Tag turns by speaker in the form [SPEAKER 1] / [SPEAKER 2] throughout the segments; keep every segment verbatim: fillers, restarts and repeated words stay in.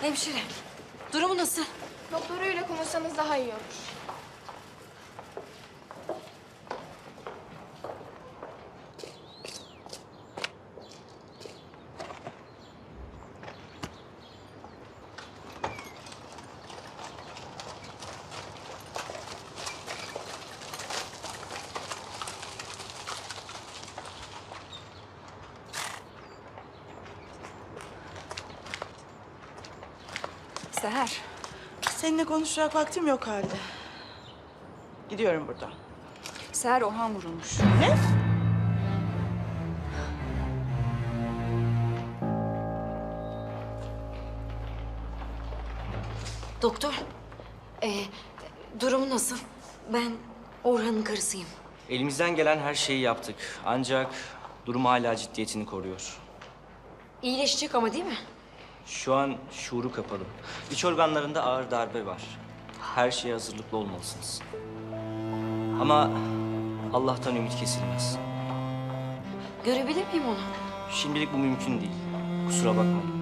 [SPEAKER 1] Hemşire, durumu nasıl?
[SPEAKER 2] Doktoruyla konuşsanız daha iyi olur.
[SPEAKER 1] Seher.
[SPEAKER 3] Seninle konuşacak vaktim yok halde. Gidiyorum buradan.
[SPEAKER 1] Seher, Orhan vurulmuş.
[SPEAKER 3] Ne?
[SPEAKER 1] Doktor, ee, durumu nasıl? Ben Orhan'ın karısıyım.
[SPEAKER 4] Elimizden gelen her şeyi yaptık. Ancak durum hala ciddiyetini koruyor.
[SPEAKER 1] İyileşecek ama değil mi?
[SPEAKER 4] Şu an şuuru kapalı. İç organlarında ağır darbe var. Her şeye hazırlıklı olmalısınız. Ama Allah'tan ümit kesilmez.
[SPEAKER 1] Görebilir miyim onu?
[SPEAKER 4] Şimdilik bu mümkün değil. Kusura bakmayın.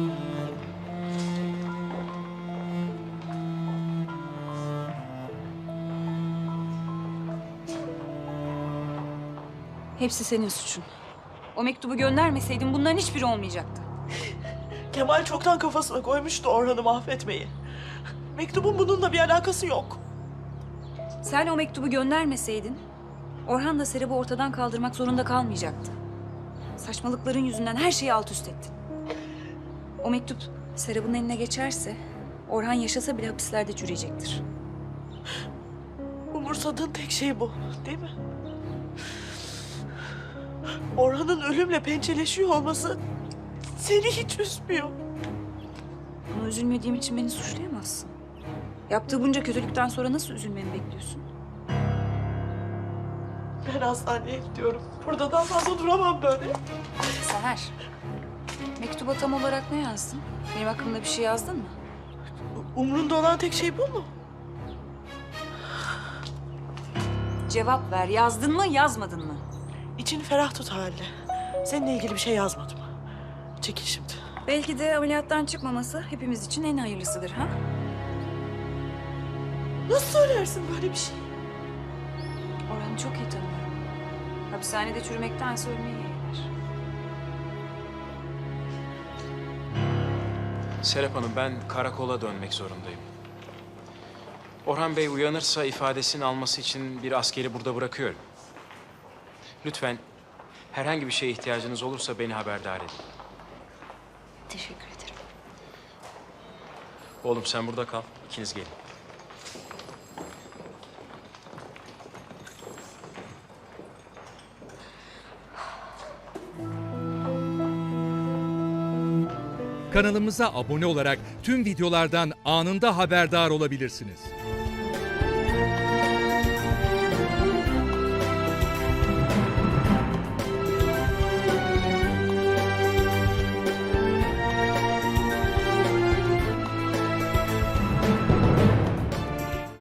[SPEAKER 5] Hepsi senin suçun. O mektubu göndermeseydin bunların hiçbiri olmayacaktı.
[SPEAKER 3] Kemal çoktan kafasına koymuştu Orhan'ı mahvetmeyi. Mektubun bununla bir alakası yok.
[SPEAKER 5] Sen o mektubu göndermeseydin Orhan da Serap'ı ortadan kaldırmak zorunda kalmayacaktı. Saçmalıkların yüzünden her şeyi alt üst ettin. O mektup Serap'ın eline geçerse Orhan yaşasa bile hapislerde çürüyecektir.
[SPEAKER 3] Umursadığın tek şey bu, değil mi? Orhan'ın ölümle pençeleşiyor olması seni hiç üzmüyor.
[SPEAKER 5] Buna üzülmediğim için beni suçlayamazsın. Yaptığı bunca kötülükten sonra nasıl üzülmemi bekliyorsun?
[SPEAKER 3] Ben hastaneye gidiyorum. Burada daha fazla duramam böyle.
[SPEAKER 5] Seher, mektuba tam olarak ne yazdın? Benim hakkımda bir şey yazdın mı?
[SPEAKER 3] Umrunda olan tek şey bu mu?
[SPEAKER 5] Cevap ver. Yazdın mı, yazmadın mı?
[SPEAKER 3] İçini ferah tut Halide. Seninle ilgili bir şey yazmadım. Çekil şimdi.
[SPEAKER 5] Belki de ameliyattan çıkmaması hepimiz için en hayırlısıdır ha?
[SPEAKER 3] Nasıl söylersin böyle bir şey?
[SPEAKER 5] Orhan'ı çok iyi tanıyorum. Hapishanede çürümektense ölmeyi yeğler.
[SPEAKER 6] Serap Hanım, ben karakola dönmek zorundayım. Orhan Bey uyanırsa ifadesini alması için bir askeri burada bırakıyorum. Lütfen herhangi bir şeye ihtiyacınız olursa beni haberdar edin.
[SPEAKER 1] Teşekkür ederim.
[SPEAKER 6] Oğlum sen burada kal, ikiniz gelin.
[SPEAKER 7] Kanalımıza abone olarak tüm videolardan anında haberdar olabilirsiniz.